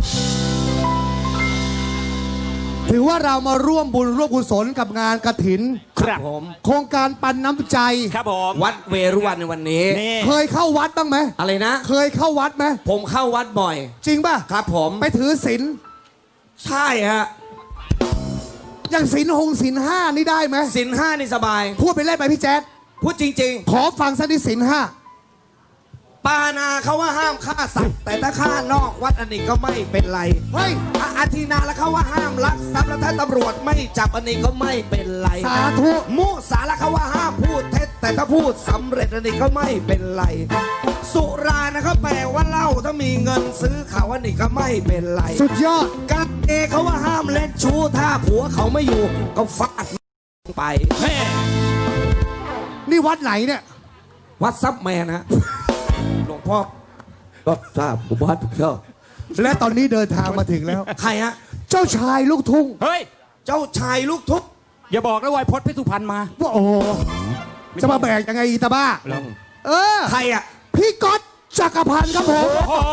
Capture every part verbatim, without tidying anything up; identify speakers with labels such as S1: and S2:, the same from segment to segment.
S1: ถือว่าเรามาร่วมบุญร่วมกุศลกับงานกฐิน
S2: ครับผม
S1: โครงการปันน้ำใจ
S2: ครับผม
S3: วัดเวรุวันในวันนี้
S2: นี่
S1: เคยเข้าวัดบ้างไหม
S3: อะไรนะ
S1: เคยเข้าวัดไหม
S3: ผมเข้าวัดบ่อย
S1: จริงป่ะ
S3: ครับผม
S1: ไปถือศีล
S3: ใช่ฮะ
S1: อย่างศีลหงศีลห้านี่ได้ไหม
S3: ศีลห้านี่สบาย
S1: พูดไปเล่นไปพี่แจ๊ด
S3: พูดจริง
S1: ขอฟังสักนิดศีลห้า
S3: ๆ ปานาเขาว่าห้ามฆ่าสัตว์ แต่ถ้าฆ่านอกวัดอันนี้ก็ไม่เป็นไร
S1: เฮ้ย
S3: อ่ะอาทีนาแล้วเขาว่าห้ามลักทรัพย์แล้วถ้าตำรวจไม่จับอันนี้ก็ไม่เป็นไร
S1: สาธุ
S3: มุสาแล้วเขาว่าห้ามพูดเท็จแต่ถ้าพูดสำเร็จอันนี้ก็ไม่เป็นไร สุรานะครับแปลว่าเหล้าถ้ามีเงินซื้อเขาอันนี้ก็ไม่เป็นไร
S1: สุดยอด
S3: การเอเขาว่าห้ามเล่นชู้ถ้าผัวเขาไม่อยู่ก็ฟาดไป
S2: แม่
S1: นี่วัดไหนเนี่ย
S3: วัดซับแมนฮะ หลวงพ่อก็ทราบผมวัดชอบ
S1: และตอนนี้เดินทางมาถึงแล้ว
S3: ใครฮะ
S1: เจ้าชายลูกทุ่ง
S2: เฮ้ย
S3: เจ้าชายลูกทุก
S2: อย่าบอกนะวายพจน์เพชรสุพรรณมา
S1: ว่าโอ้โหจะมาแบกยังไงอีตาบ้า เออ
S3: ใครอ่ะ
S1: พี่ก๊อตจักรพันธ์ครับผม
S2: โอ้โห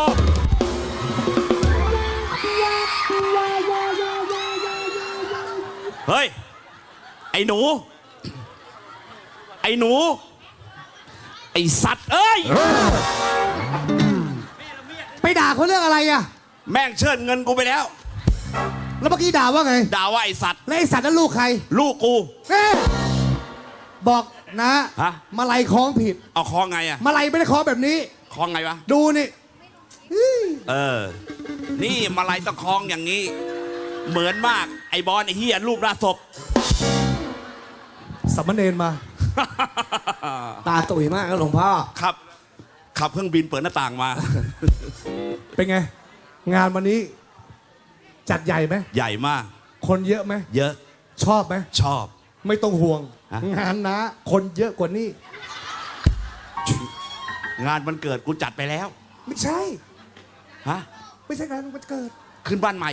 S2: เฮ้ย ไอ้หนู ไอ้หนู ไอ้สัตว์เอ้ย
S1: ไปด่าเขาเรื่องอะไรอะ
S2: แม่งเชิญเงินกูไปแล้ว
S1: แล้วเมื่อกี้ด่าว่าไง
S2: ด่าว่าไอ้สัตว์
S1: แล้วไอสัตว์นั้นลูกใคร
S2: ลูกกู
S1: เอ๊ะบอกนะ
S2: ฮะ
S1: มาลัยคล้องผิด
S2: เอาคล้องไงอะ
S1: มาลัยไม่ได้คล้องแบบนี้
S2: คล้องไงวะ
S1: ดูนี่
S2: เออ นี่มาลัยต้องคล้องอย่างนี้ เหมือนมาก ไอ้บอลไอ้เฮียรูปราศพ
S1: สัมมเนนมา
S3: ตาตุ๋ยมากนะหลวงพ่อ
S2: ครับ ขับเครื่องบินเปิดหน้าต่างมา
S1: เป็นไง งานวันนี้ จัดใหญ่ไหม
S2: ใหญ่มาก
S1: คนเยอะไหม
S2: เยอะ
S1: ชอบไหม
S2: ชอบ
S1: ไม่ต้องห่วง
S2: ฮะ
S1: งานนะ คนเยอะกว่านี้
S2: งานวันเกิดกูจัดไปแล้ว
S1: ไม่ใช่
S2: ฮะ
S1: ไม่ใช่งานวันเกิด
S2: ขึ้นบ้านใหม่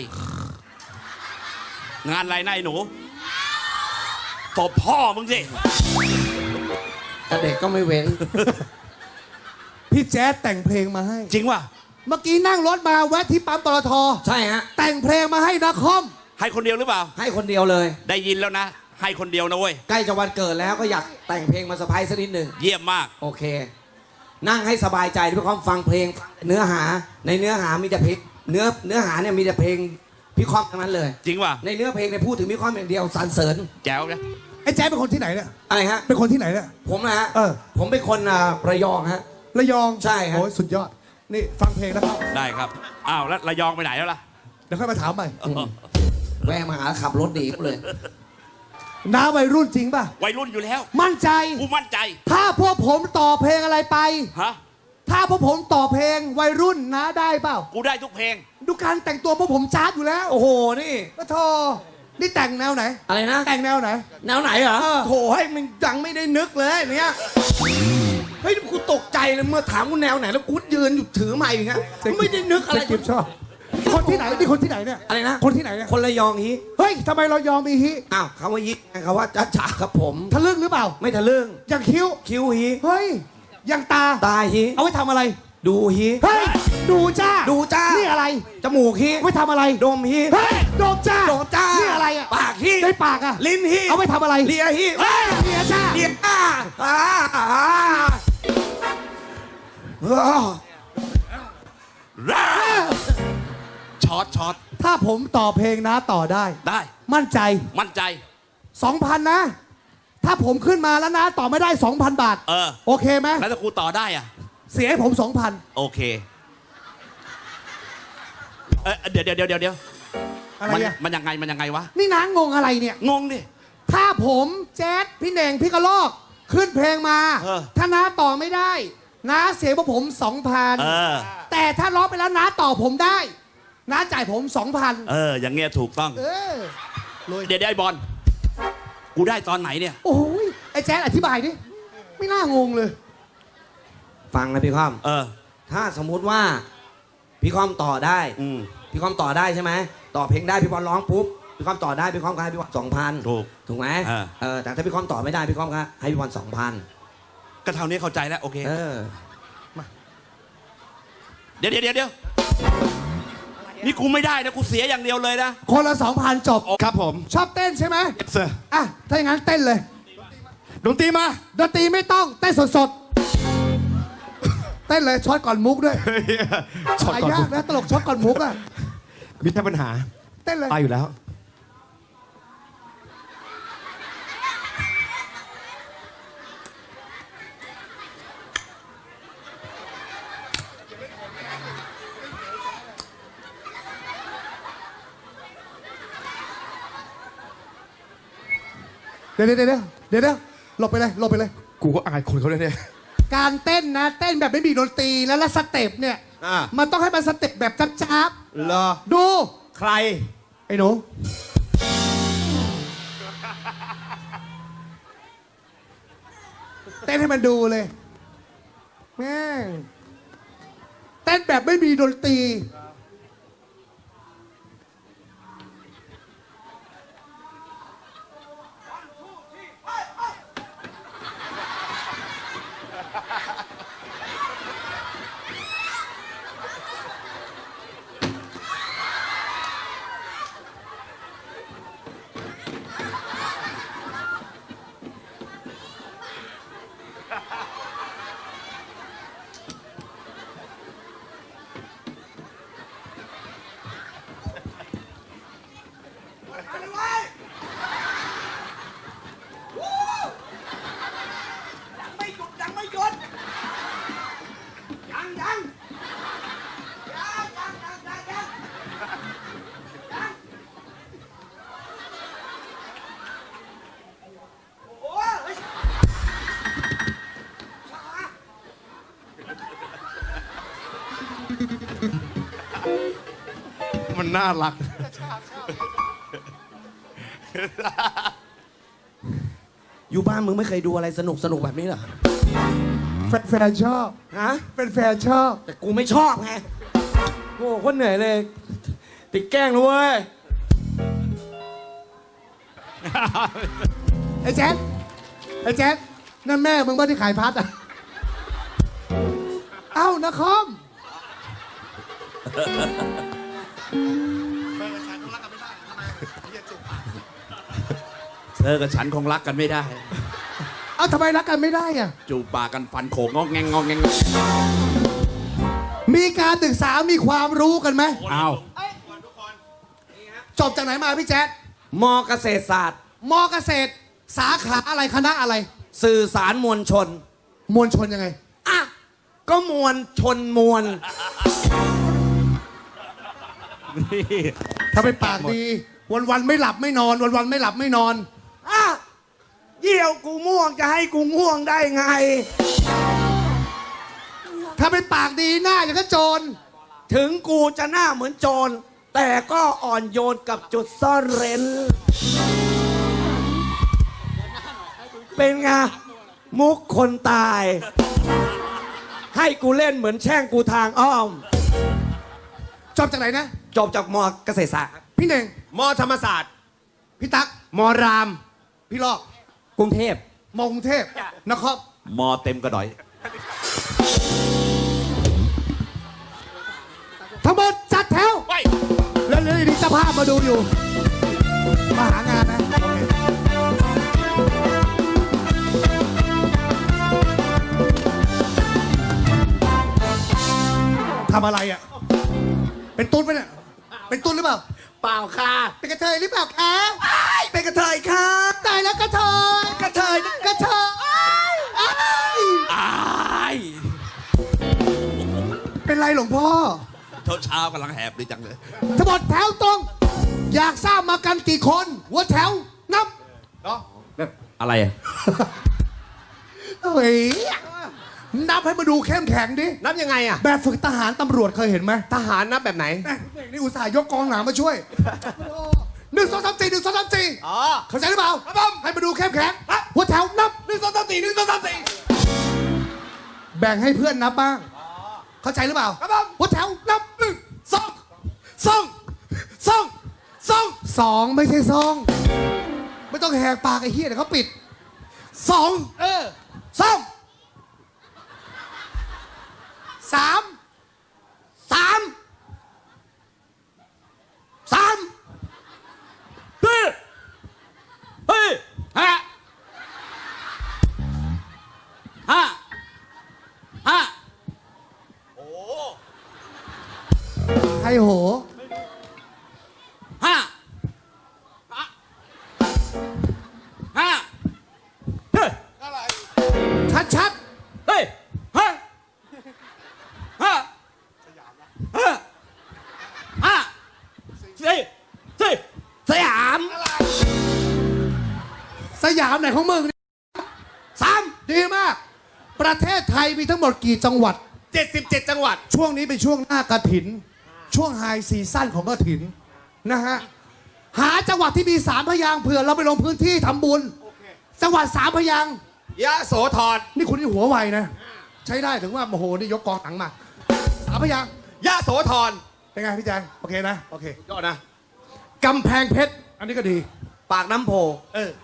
S2: งานอะไรนายหนูตบพ่อมึงสิ
S3: แต่เด็กก็ไม่เว้น
S1: พี่แจ๊ดแต่งเพลงมาให้
S2: จริงวะ
S1: เมื่อกี้นั่งรถมาแวะที่ปั๊มปตท
S3: ใช่ฮะ
S1: แต่งเพลงมาให้นักคอม
S2: ให้คนเดียวหรือเปล่า
S3: ให้คนเดียวเลย
S2: ได้ยินแล้วนะ ให้คนเดียวนะเว้ย
S3: ใกล้จะวันเกิดแล้วก็อยากแต่งเพลงมาเซอร์ไพรส์สักนิดหนึ่ง
S2: เยี่ยมมาก
S3: โอเค นั่งให้สบายใจด้วยความฟังเพลง เนื้อหา ในเนื้อหามีแต่เพลง เนื้อเนื้อหาเนี่ยมีแต่เพลงพี่คอมทั้งนั้นเลย
S2: จริงวะ
S3: ในเนื้อเพลงเนี่ยพูดถึงพี่คอมอย่างเดียวสรรเสริญ
S2: แจ๋วนะ
S1: ไอ้แจ๊ดเป็นคนที่ไหนเนี่ย
S3: อะไรฮะ
S1: เป็นคนที่ไหนเนี่ย
S3: ผมนะฮะ
S1: เออ
S3: ผมเป็นคนอ่าระยองฮะ
S1: ระยอง
S3: ใช่ครับ
S1: โอ้ยสุดยอด นี่ฟังเพลงนะครับ
S2: ได้ครับ อ้าวแล้วระยองไปไหนแล้วล่ะ
S1: เดี๋ยวค่อยมาถามใหม่
S3: แวะมาหาขับรถหนีกูเลย
S1: น้าวัยรุ่นจริงป่ะ
S2: วัยรุ่นอยู่แล้ว
S1: มั่นใจ
S2: กูมั่นใจ
S1: ถ้าพวกผมต่อเพลงอะไรไป
S2: ฮะ
S1: ถ้าพวกผมต่อเพลงวัยรุ่นน้าได้เปล่า
S2: กูได้ทุกเพลง
S1: ดูการแต่งตัวพวกผมจ้าดอยู่แล้ว
S3: โอ้โห นี่
S1: ก็โทนี่แต่งแนวไหน
S3: อะไรนะ
S1: แต่งแนวไหน
S3: แนวไหนเหรอ
S1: เออ
S3: โถให้มันยังไม่ได้นึกเลยเนี่ย เฮ้ยกูตกใจเลยเมื่อถามกูแนวไหนแล้วกูยืนอยู่ถือไม้อย่างเงี้ยไม่ได้นึกอะไร
S1: เจ๊กิฟชอบ คนที่ไหนนี่คนที่ไหนเนี่ย
S3: อะไรนะ
S1: คนที่ไหนเนี่ย
S3: คนระยองฮี
S1: เฮ้ยทำไมเรายอมมีฮิ
S3: อ้าวคำว่ายิกคำว่าจ้าจ๋าครับผม
S1: ทะลึ่งหรือเปล่า
S3: ไม่ทะลึ่ง
S1: อย่างคิ้ว
S3: คิ้วฮี
S1: เฮ้ยอย่างตา
S3: ตาฮี
S1: เอาไว้ทำอะไร
S3: ดูฮี
S1: เฮ้ย ดูจ้า
S3: ดูจ้า
S1: นี่อะไร
S3: จมูกฮี
S1: เอาไว้ทำอะไร
S3: ดมฮี
S1: เฮ้ยโดมจ้า
S3: โดมจ้า
S1: นี่อะไรอ่ะ
S3: ปากฮี
S1: ในปากอ่ะ
S3: ลิ้นฮี
S1: เอาไว้ทำอะไร
S3: เลียฮี
S1: เฮ้ยเมียจ้า
S3: เลียอ่าอ่าอ่าเออ
S2: ช็อตช็อต
S1: ถ้าผมต่อเพลงนะต่อได้
S2: ได้
S1: มั่นใจ
S2: มั่นใจ
S1: สองพันนะ ถ้าผมขึ้นมาแล้วนะต่อไม่ได้ สองพัน บาท
S2: เออ
S1: โอเคไหม
S2: แล้วถ้ากูต่อได้อ่ะ
S1: เสียให้ผม สองพัน
S2: โอเค เออเดี๋ยวเดี๋ยวเดี๋ยวเดี๋ยว
S1: อะไร
S2: มัน
S1: เนี่ย
S2: มันยังไงมันยังไงวะ
S1: นี่นางงงอะไรเนี่ย
S2: งงดิ
S1: ถ้าผมแจ๊ดพี่เน่งพี่กระลอกขึ้นเพลงมา
S2: เออ
S1: ถ้าน้าต่อไม่ได้น้าเสียพวกผม สองพัน
S2: เออ
S1: แต่ถ้าร้องไปแล้วน้าต่อผมได้น้าจ่ายผม สองพัน
S2: เออ อย่างเงี้ยถูกต้อง
S1: เออเลย
S2: เดี๋ยวเดี๋ยวไอ้บอล กูได้ตอนไหนเนี่ย
S1: โอ้ยไอ้แจ๊ดอธิบายดิไม่น่างงเลย
S3: ฟังนะพี่คอม
S2: เออ
S3: ถ้าสมมุติว่าพี่คอมต่อได้
S2: อืม
S3: พี่คอมต่อได้ใช่ไหมต่อเพลงได้พี่บอลร้องปุ๊บพี่คอมต่อได้พี่คอมก็ให้พี่บอลสองพัน
S2: ถูก
S3: ถูกไหม
S2: เออ
S3: เออแต่ถ้าพี่คอมต่อไม่ได้พี่คอมก็ให้พี่บอลสองพัน
S2: ก็เท่านี้เข้าใจแล้ว โอเค
S3: เออ
S2: เดี๋ยวเดี๋ยวเดี๋ยวเดี๋ยวนี่กูไม่ได้นะกูเสียอย่างเดียวเลยนะ
S1: คนละสองพันจบ
S4: ครับผม
S1: ชอบเต้นใช่ไหม
S4: yes sir
S1: อ่ะ ถ้าอย่างนั้นเต้นเลย
S4: ดนตรีมา
S1: ดนตรีไม่ต้องเต้นสดๆ เต้นเลยช็อตก่อนมุกด้วย
S4: ช็อต
S1: หา
S4: ก่อน
S1: ยากนะตลกช็อตก่อนมุกอ่ะ
S4: มีแค่ปัญหา
S1: เต้นเลย
S4: ไปอยู่แล้ว
S1: เดี๋ยวเดี๋ยวเดี๋ยวเดี๋ยวเดี๋ยวหลบไปเลยหลบไปเลย
S4: กูก็อายคนเขาเลยเนี่ย
S1: การเต้นนะ เต้นแบบไม่มีดนตรีแล้วแล้วสเต็ปเนี่ย
S3: อ่ะ
S1: มันต้องให้มันสเต็ปแบบจับ
S3: เหรอ
S1: ๆดู
S3: ใคร
S1: ไอ้หนู เต้นให้มันดูเลย แม่ง เต้นแบบไม่มีดนตรี
S3: ยังไม่หยุดยังไม่หยุดยังยังยังยังยังยังยังยังโอ้โหเฮ้ยช้า
S4: มันน่ารัก
S3: อยู่บ้านมึงไม่เคยดูอะไรสนุกสนุกแบบนี้เหรอ
S1: แฟนๆชอบ
S3: ฮะ
S1: แฟนๆชอบ
S3: แต่กูไม่ชอบไงโอ้โหคนเหนื่อยเลย ติดแกล้งนะเว้ย
S1: ไอ้แจ๊ดไอ้แจ๊ดนั่นแม่มึงบ้านที่ขายพัดอ่ะ เอ้านะคอม
S2: เธอกับฉันคงรักกันไม่ได้
S1: เอ้าทำไมรักกันไม่ได้อ่ะ
S2: จูบปากกันฟันโขกงอกแงงงอกแงง
S1: มีการศึกษามีความรู้กันไหม
S2: อ้าว
S1: จบจากไหนมาพี่แจ๊ด
S3: มอเกษตรศาสตร์
S1: มอเกษตร สาขาอะไรคณะอะไร
S3: สื่อสารมวลชน
S1: มวลชนยังไง
S3: อ่ะ ก็มวลชนมวล
S1: ถ้าไปปากดี วันวันๆไม่หลับไม่นอน วันวันๆไม่หลับไม่นอน
S3: อ่ะเยี่ยวกูม่วงจะให้กูง่วงได้ไง
S1: ถ้าไปปากดีหน้าอย่างก็โจร
S3: ถึงกูจะหน้าเหมือนโจร แต่ก็อ่อนโยนกับจุดซ่อนเร้น เป็นไง มุกคนตาย ให้กูเล่นเหมือนแช่งกูทางอ้อม
S1: จบจากไหนนะ
S3: จบจากมอเกษตรศาสตร์
S1: พี่เน่ง
S4: มอธรรมศาสตร์
S1: พี่ตั๊ก
S4: มอราม
S1: พี่ลอก
S3: กรุงเทพ
S1: มอกรุงเทพนคร
S2: มอเต็มกระดอย
S1: ทั้งหมดจัดแถว
S2: ไป
S1: แล้วเดี๋ยวนี้เจ้าภาพมาดูอยู่ มาหางานนะโอเคทำอะไรอ่ะ เป็นตุ้นไหมเนี่ย เป็นตุ้นหรือเปล่า
S3: เปล่าค่ะ
S1: เป็นกระเทยหรือเปล่าคะ
S3: เป็นกระเทยค่ะ
S1: ตายแล้วกระเทย
S3: กระเทย
S1: กระเทยอ้ายอ้าย
S2: อาย
S1: เป็นไรหลวงพ่อ
S2: เช้าเช้ากำลังแหบดีจังเลย
S1: ทั้งหมดแถวตรง อยากทราบมากันกี่คนหัวแถว นับ
S2: อะไรอะ
S1: เฮ้ย นับให้มาดูเข้มแข็งดิ
S4: นับยังไงอะ
S1: แบบฝึกทหารตำรวจเคยเห็นไหม
S4: ทหารนับแบบไหน
S1: แม่นี่อุตส่าห์ยกกองหลังมาช่วยหนึ่งสองสามสี่หนึ่งสองสามสี่
S4: อ๋อ
S1: เข้าใจหรือเปล่าครับผมให้มาดูเข้มแข็งหัวแถวนับหนึ่งสองสามสี่หนึ่งสองสามสี่แบ่งให้เพื่อนนับบ้าง เข้าใจหรือเปล่าครับผมหัวแถวนับหนึ่งสองสองสองสองสองไม่ใช่สองไม่ต้องแหกปากไอ้เหี้ยเดี๋ยวเขาปิดสองเออสองสามสามทยโห
S2: ห้าห้าเฮ้ย
S1: ชัดชัด
S2: เฮ้ยห้าห้าห้าห้าสี่สี่
S3: สยาม
S1: ๆสยามไหนของมึงเนี่ย
S3: สาม
S1: ดีมาก ประเทศไทยมีทั้งหมดกี่จังหวัด
S4: เจ็ดสิบเจ็ดจังหวัด
S1: ช่วงนี้เป็นช่วงหน้ากระถิน ช่วงไฮซีซั่นของกระถินนะฮะ หาจังหวัดที่มีสามพยางค์เผื่อเราไปลงพื้นที่ทำบุญ จังหวัดสามพยางค์
S4: ยะโสธร
S1: นี่คุณนี่หัวไวนะ ใช้ได้ถึงว่าโอ้โหนี่ยกกองหนังมาสามพยางค์
S4: ยะโสธร
S1: เป็นไงพี่แจงโอเคนะ โอเค
S4: ยอดนะ
S1: กำแพงเพชร อันนี้ก็ดี
S3: ปากน้ำโพ
S1: เออ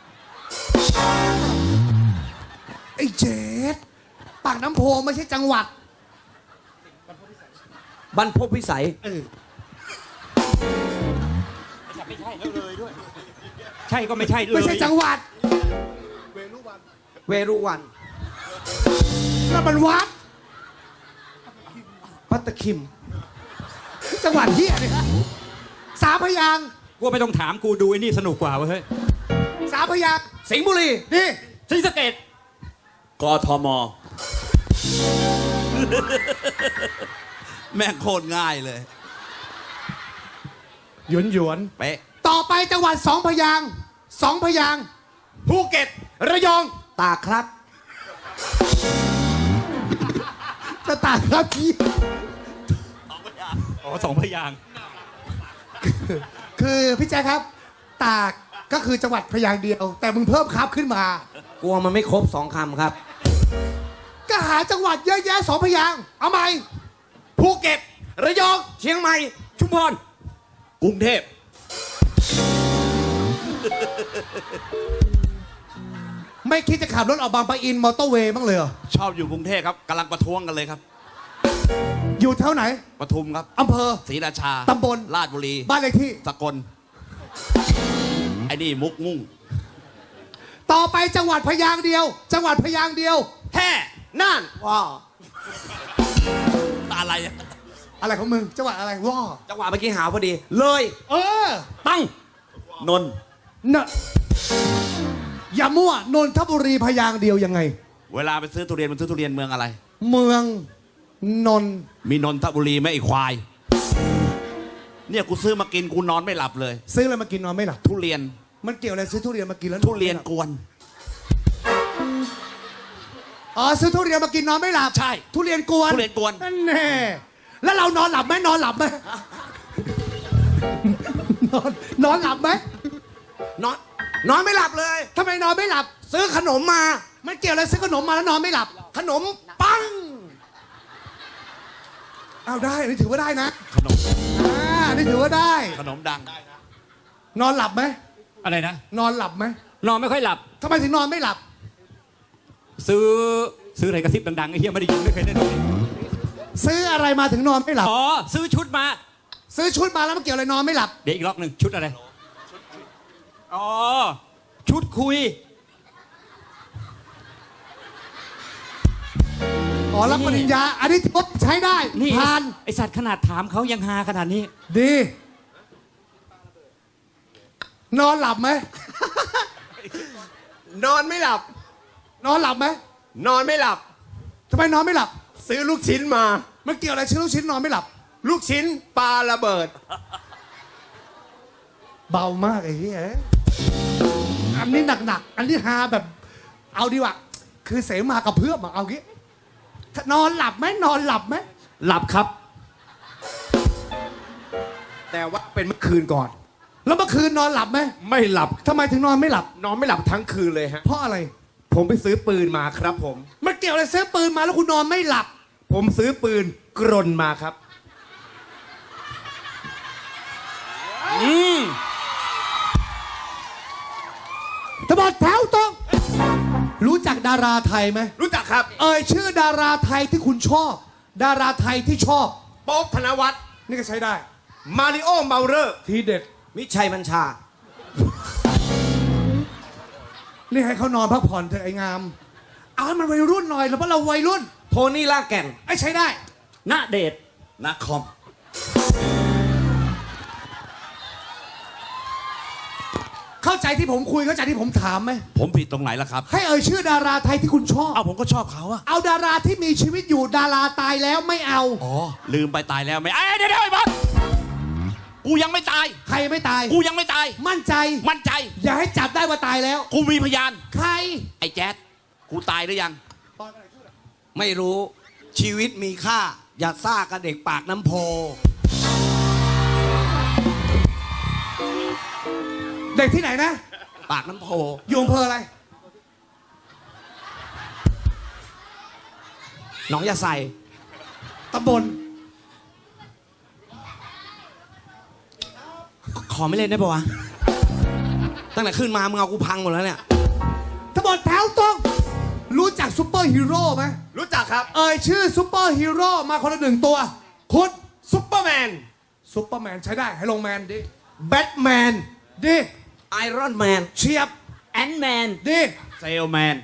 S1: ไอ้เจดปากน้ำโพไม่ใช่จังหวัด
S3: บรรพตพิสัย
S1: เออ
S5: ใช่ก็ไม่ใช่เลย
S1: ไม่ใช่จังหวัด
S3: เวรุวัน
S1: นั่นมันวัด
S3: ปัตตคิม
S1: จังหวัดเฮียเนี่ยสามพยางค์
S5: กูไม่ต้องถามกูดูไอ้นี่สนุกกว่าเว้ยเฮ้ย
S1: สามพยางค์
S3: สิงห์บุรี
S1: นี่
S5: ศรีสะเกษ
S2: กทม แม่งโคตรง่ายเลย
S1: หยวนหยวน
S2: เป๊ะ
S1: ๆต่อไปจังหวัดสองพยางค์สองพยางค์
S4: ภูเก็ต ระยอง
S3: ตากครับ
S1: จะตากครับพี่
S5: อ๋อสองพยางค์
S1: คือพี่แจ๊คครับ ตากก็คือจังหวัดพยางค์เดียว แต่มึงเพิ่มครับขึ้นมา
S3: กลัวมันไม่ครบสองคำครับ
S1: ก็หาจังหวัดเยอะแยะสองพยางค์เอาไหม
S4: ภูเก็ต ระยอง
S3: เชียงใหม่
S5: ชุมพร
S4: กรุงเทพ
S1: ไม่คิดจะขับรถออกบางปะอินมอเตอร์เวย์บ้างเลยเหรอ
S2: ชอบอยู่กรุงเทพครับกำลังประท้วงกันเลยครับ
S1: อยู่แถวไหน
S2: ปทุมครับ
S1: อำเภอ
S2: ศรีราชา
S1: ตำบล
S2: ราชบุรี
S1: บ้านเลขที่
S2: สกล ไอ้นี่มุกมุ่ง
S1: ต่อไปจังหวัดพยางค์เดียว จังหวัดพยางค์เดียว
S4: แห่น่าน
S3: ว้าว
S2: อะไรอะ
S1: อะไรของมึง จังหวัดอะไรว้า
S3: จังหวะเมื่อกี้หาพอดี เลย
S1: เออ
S5: ตั้ง
S2: นนท์
S1: เนอะอย่ามั่วนนทบุรีพยางค์เดียวยังไง
S2: เวลาไปซื้อทุเรียนมันซื้อทุเรียนเมืองอะไร
S1: เมืองนนท์
S2: มีนนทบุรีไหมไอ้ควาย เนี่ยกูซื้อมากินกูนอนไม่หลับเลย
S1: ซื้ออะไรมากินนอนไม่หลับ
S2: ทุเรียน
S1: มันเกี่ยวอะไรซื้อทุเรียนมากินแล้ว
S2: ทุเรียนกวน
S1: อ๋อซื้อทุเรียนมากินนอนไม่หลับ
S2: ใช่
S1: ทุเรียนกวน
S2: ทุเรียนกวน
S1: นั่นแน่แล้วเรานอนหลับไหมนอนหลับไหมนอนนอนหลับไหม
S3: นอนนอนไม่หลับเลย
S1: ทำไมนอนไม่หลับ
S3: ซื้อขนมมา
S1: มันเกี่ยวอะไรซื้อขนมมาแล้วนอนไม่หลับ
S3: ขนมปัง
S1: เอาได้นี่ถือว่าได้นะ
S2: ขนม
S1: อ่านี่ถือว่าได้
S2: ขนมดัง
S1: นอนหลับไหม
S5: อะไรนะ
S1: นอนหลับไหม
S5: นอนไม่ค่อยหลับ
S1: ทำไมถึงนอนไม่หลับ
S5: ซื้อซื้ออะไรกระซิบดังๆไอ้เหี้ยไม่ได้ยินไม่เคยได้ยิน
S1: ซื้ออะไรมาถึงนอนไม่หลับ
S5: อ๋อซื้อชุดมา
S1: ซื้อชุดมาแล้วมันเกี่ยวอะไรนอนไม่หลับ
S5: เดี๋ยวอีกรอบหนึ่งชุดอะไรอ๋อชุดคุย
S1: อ๋อรับปริญญา อันนี้ทดใช้ได้
S5: นี่
S1: ผ่าน
S5: ไอสัตว์ขนาดถามเขายังฮาขนาดนี้
S1: ดี นอนหลับไหม
S4: นอนไม่หลับ
S1: นอนหลับไหม
S4: นอนไม่หลับ
S1: ทำไมนอนไม่หลับ
S4: ซื้อลูกชิ้นมา
S1: มันเกี่ยวอะไรชื่อลูกชิ้นนอนไม่หลับ
S4: ลูกชิ้นปลาระเบิด
S1: เบามากไอ้เหี้ยอันนี้หนักๆ อันนี้ฮาแบบ เอาดีกว่า คือเสมากับเพื่อมอะเอางี้ถ้านอนหลับไหมนอนหลับไหม
S5: หลับครับ
S4: แต่ว่าเป็นเมื่อคืนก่อน
S1: แล้วเมื่อคืนนอนหลับไหม
S4: ไม่หลับ
S1: ทำไมถึงนอนไม่หลับ
S4: นอนไม่หลับทั้งคืนเลยฮะ
S1: เพราะอะไร
S4: ผมไปซื้อปืนมาครับผม
S1: มันเกี่ยวอะไรซื้อปืนมาแล้วคุณนอนไม่หลับ
S4: ผมซื้อปืนกรนมาครับ
S5: อืม
S1: ตบอดแถวตรง รู้จักดาราไทยไหม
S4: รู้จักครับ
S1: เอ่ยชื่อดาราไทยที่คุณชอบ ดาราไทยที่ชอบ
S4: โป๊บธนวัฒน์
S1: นี่ก็ใช้ได้
S4: มาริโอเมาเลอร์
S1: ทีเด็ด
S3: มิชัยบัญชา
S1: นี่ให้เขานอนพักผ่อนเถอะไอ้งาม เอาให้มันวัยรุ่นหน่อยแล้วเพราะเราวัยรุ่น
S3: โทนี่ลากแก่น
S1: ไอ้ใช้ได้
S5: ณเดชน์
S2: นักคอม
S1: เข้าใจที่ผมคุยเข้าใจที่ผมถามไหม
S2: ผมผิดตรงไหนล่ะครับ
S1: ให้เอ่ยชื่อดาราไทยที่คุณชอบ
S2: เอ้าผมก็ชอบเขาอะ
S1: เอาดาราที่มีชีวิตอยู่ดาราตายแล้วไม่เอา
S2: อ๋อลืมไปตายแล้วไหมไอ้ยเดี๋ยวเดี๋ยวไอ้บอสกูยังไม่ตาย
S1: ใครไม่ตาย
S2: กูยังไม่ตาย
S1: มั่นใจ
S2: มั่นใจ
S1: อย่าให้จับได้ว่าตายแล้ว
S2: กูมีพยาน
S1: ใคร
S2: ไอ้แจ๊ดกูตายหรือยัง
S3: ไม่รู้ชีวิตมีค่า อย่าซ่ากับเด็กปากน้ำโพ
S1: เด็กที่ไหนนะ
S3: ปากน้ำโพ
S1: อยู่อำเภออะไร
S3: หนองยาใส่
S1: ตำบล
S3: ขอไม่เล่นได้ปะวะ ตั้งแต่ขึ้นมามึงเอากูพังหมดแล้วเนี่ย
S1: ตำบลแถวตรงรู้จักซูเปอร์ฮีโร่ไหม
S4: รู้จักครับ
S1: เอ่ยชื่อซูเปอร์ฮีโร่มาคนละหนึ่งตัว คุณ
S4: ซุปเปอร์แมน
S1: ซูเปอร์แมนใช้ได้ให้ลงแมนดิ
S4: แบทแมน
S1: ดี
S3: ไอรอนแมน
S1: เฉียบ
S3: แอนแมน
S1: ดี
S2: เซลแมน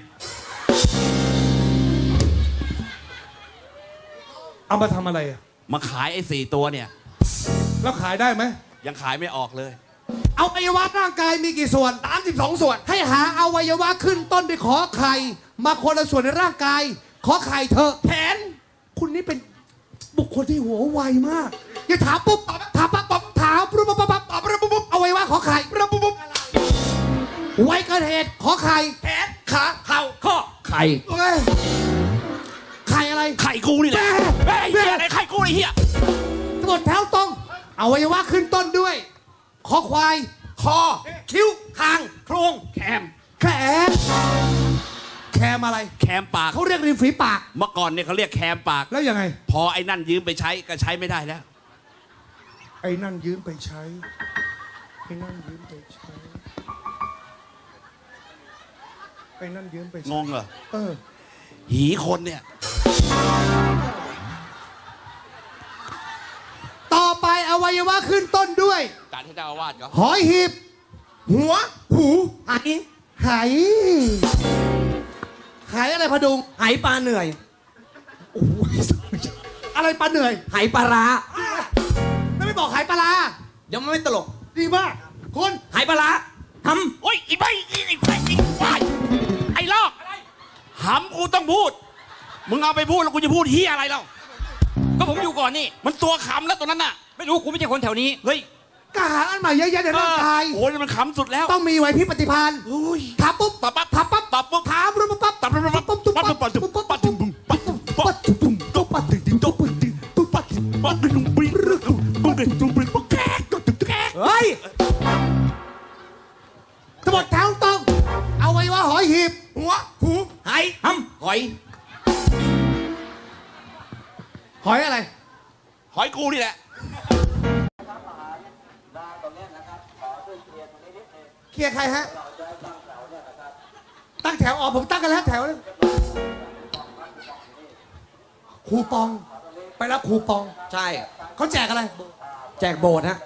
S1: เอามาทำอะไรอะ
S2: มาขายไอ้สี่ตัวเนี่ย
S1: แล้วขายได้ไหม
S2: ยังขายไม่ออกเลย
S1: เอาอวัยวะร่างกายมีกี่ส่วนสามสิบสองส่วน ให้หาอวัยวะขึ้นต้นด้วยขอไข่ มาคนละส่วนในร่างกาย ขอไข่เถอะแผน คุณนี่เป็นบุคคลที่หัวไวมาก อย่าถามปุ๊บตอบถามปั๊บปั๊บถามปุ๊บปั๊บปั๊บปั๊บตอบปุ๊บปุ๊บอวัยวะขอไข่ปุ๊บปุ๊บปุ๊บไวเกินเหตุขอไข่แขนขาเข่าข้อ
S2: ไข่
S1: เอ้ยไข่อะไร
S2: ไข่กูนี่แหละ
S1: แม่
S2: เฮ้ยไอ้เหี้ยอะไรไข่กูไอ้เหี้ย
S1: ทั้งหมดแถวตรงอวัยวะขึ้นต้นด้วยคอควาย คอ คิ้วคางโครง
S2: แคม
S1: แขนแคมอะไร
S2: แคมปาก
S1: เขาเรียกริมฝีปาก
S2: เมื่อก่อนเนี่ยเขาเรียกแคมปาก
S1: แล้วยังไง
S2: พอไอ้นั่นยืมไปใช้ก็ใช้ไม่ได้แล้ว
S1: ไอ้นั่นยืมไปใช้ ไอ้นั่นยืมไปใช้ ไอ้นั่นยืมไป
S2: ง
S1: ใช้
S2: งเหรอ
S1: เออ
S2: หีคนเนี่ย
S1: ต่อไปอวัยวะขึ้นต้นด้วย
S2: การที่เจ้าอาวาสเขา
S1: หอยหีบ หัว หูไหไหไหอะไรพะดุง
S3: ไหปลาเหนื่อย
S1: อะไรปลาเหนื่อย
S3: ไหปลาร้า
S1: แล้วไม่บอกไหปลาร้า
S3: เดี๋ยวมันไม่ตลก
S1: ดีมากคุณ
S3: ไหปลาร้าท
S2: โอ้ยอีใบอีไอ้ไอ้ไอ้ควายไอ้ลอกหำกูต้องพูด มึงเอาไปพูดแล้วกูจะพูดเฮียอะไรเล่า
S5: ก็ผมอยู่ก่อนนี่
S2: มันตัวขำแล้วตัวนั้นน่ะ
S5: ไม่รู้กูไม่ใช่คนแถวนี้
S2: เฮ้ย
S1: กหาอันใหม่เยอะแยะในร่างกาย
S2: โอ้ยมันขำสุดแล้ว
S1: ต้องมีไหวพริบปฏิภาณ
S2: โอ้ย
S1: ถามปุ๊บ
S2: ตอบปั๊บ
S1: ถามปั๊บ
S2: ตอบปุ๊บ
S1: ถามปุ๊บปั๊บ
S2: ตอบปั๊บปั๊บปั๊บปั๊บปั๊บปั๊บปั๊บปั๊บปั๊บปั๊บปั๊บปั๊บ
S1: ปั๊บตุ้มตุ้มปั๊บตุ้มตุ้มตุ้มตุ้มปั๊บ
S2: ปั๊บตุ้มปริ้งตุ้มปริ้งตุ้มปริ้งปุ๊บแก๊กตุ้มแก๊ก
S3: ำเฮ้ย
S1: ทั้งหมดแถวตรงเอาไว้ว่าหอยหีบ หัว หู
S3: ไห
S2: หำหอย
S1: หอยอะไร
S2: หอยกูนี่แหละ
S1: เคลียร์ใครฮะ ตั้งแถวออกผมตั้งกันแล้วแถวนึงครูปอง ไปรับครูปอง
S3: ใช่
S1: เขาแจกอะไร
S3: แจกโบสถ์ฮะ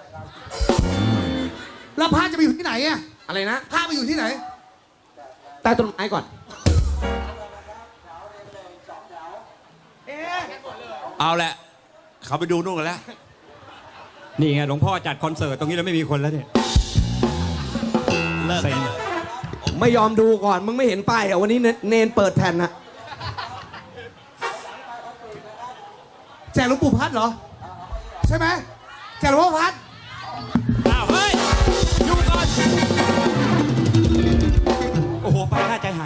S1: แล้วพระจะไปอยู่ที่ไหนอะ
S3: อะไรนะ
S1: พระไปอยู่ที่ไหน
S3: ใต้ต้นไม้ก่อน
S2: เอาแหละ เขาไปดูนู่นกันแล้ว
S5: นี่ไงหลวงพ่อจัดคอนเสิร์ตตรงนี้แล้วไม่มีคนแล้วเนี่ย
S2: เลิก
S5: เซ็ง
S3: ไม่ยอมดูก่อน มึงไม่เห็นป้ายเหรอวันนี้เนเนนเปิดแผ่นนะ
S1: แจกหลวงปู่พัดเหรอ ใช่ไหมแจกหลวงพ่อพัด
S5: อ้าวเฮ้ยอยู่ก่อน โอ้โห ไปน่าใจหาย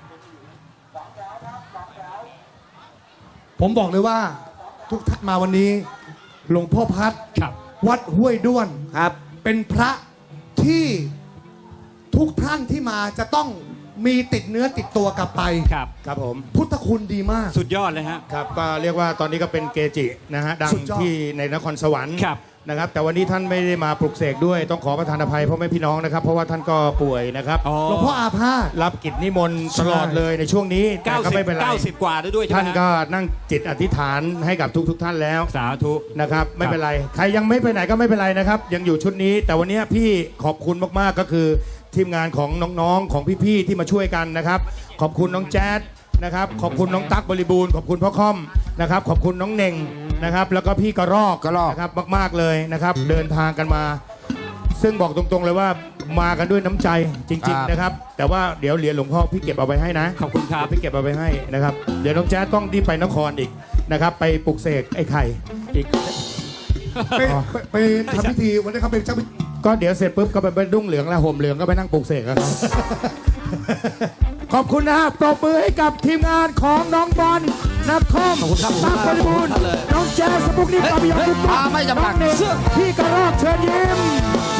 S1: ผมบอกเลยว่า ทุกท่านมาวันนี้ หลวงพ่อพัด
S5: ครับ
S1: วัดห้วยด้วน
S3: ครับ
S1: เป็นพระที่ทุกท่านที่มาจะต้องมีติดเนื้อติดตัวกลับไป
S5: ครับ
S4: ครับผม
S1: พุทธคุณดีมาก
S5: สุดยอดเลยฮะ
S4: ครับก็เรียกว่าตอนนี้ก็เป็นเกจินะฮะดัง
S1: สุดยอด
S4: ที่ในนครสวรรค์
S5: ครับ
S4: นะครับแต่วันนี้ท่านไม่ได้มาปลุกเสกด้วยต้องขอประทานอภัยพ่อแม่พี่น้องนะครับเพราะว่าท่านก็ป่วยนะครับ
S5: อ๋อ
S1: หลวงพ่ออาพาธ
S4: รับกิจนิมนต์ตลอดเลยในช่วงนี้แต่
S5: เก้า
S4: ก็
S5: สิบ
S4: ไม่เป็นไร
S5: เก้าสิบกว่าแล้วด้วยใช่ไหม
S4: ท่าน
S5: ฮะ
S4: ก็นั่งจิตอธิษฐานให้กับทุกๆทท่านแล้ว
S5: สาธุ
S4: นะครับไม่เป็นไรใครยังไม่ไปไหนก็ไม่เป็นไรนะครับยังอยู่ชุดนี้ แต่วันนี้พี่ขอบคุณมากๆก็คือทีมงานของน้องๆของพี่ๆที่มาช่วยกันนะครับขอบคุณน้องแจ๊ดนะครับขอบคุณน้องตั๊กบริบูรณ์ขอบคุณพ่อค่อมนะครับขอบคุณน้องเน่งนะครับแล้วก็พี่กระรอก
S3: กระรอก
S4: นะครับมากๆเลยนะครับเดินทางกันมา ซึ่งบอกตรงๆเลยว่ามากันด้วยน้ำใจจริง
S1: ครับ
S4: ๆนะครับ แต่ว่าเดี๋ยวเหรียญหลวงพ่อพี่เก็บเอาไว้ให้นะ
S5: ขอบคุณครับ
S4: พี่เก็บเอาไว้ให้นะครับเดี๋ยวน้องแจ๊ดต้องที่ไปนครอีกนะครับ ไปปลุกเสกไอ้ไข่อีก
S1: ไปไปไปทำพิธีวันนี้เขาเป็นเจ้าพิธี
S4: ก็เดี๋ยวเสร็จปุ๊บก็ไปเป็นดุ้งเหลืองแล้วห่มเหลืองก็ไปนั่งปลุกเสกกัน ขอบคุณนะครับปรบมือให้กับทีมงานของน้องบอลนักคอมตั้งบริบูรณ์น้องแจ๊สสปุกนิกปาปิยองทุกท่านน้องเนกพี่กระรอกเชิญยิ้ม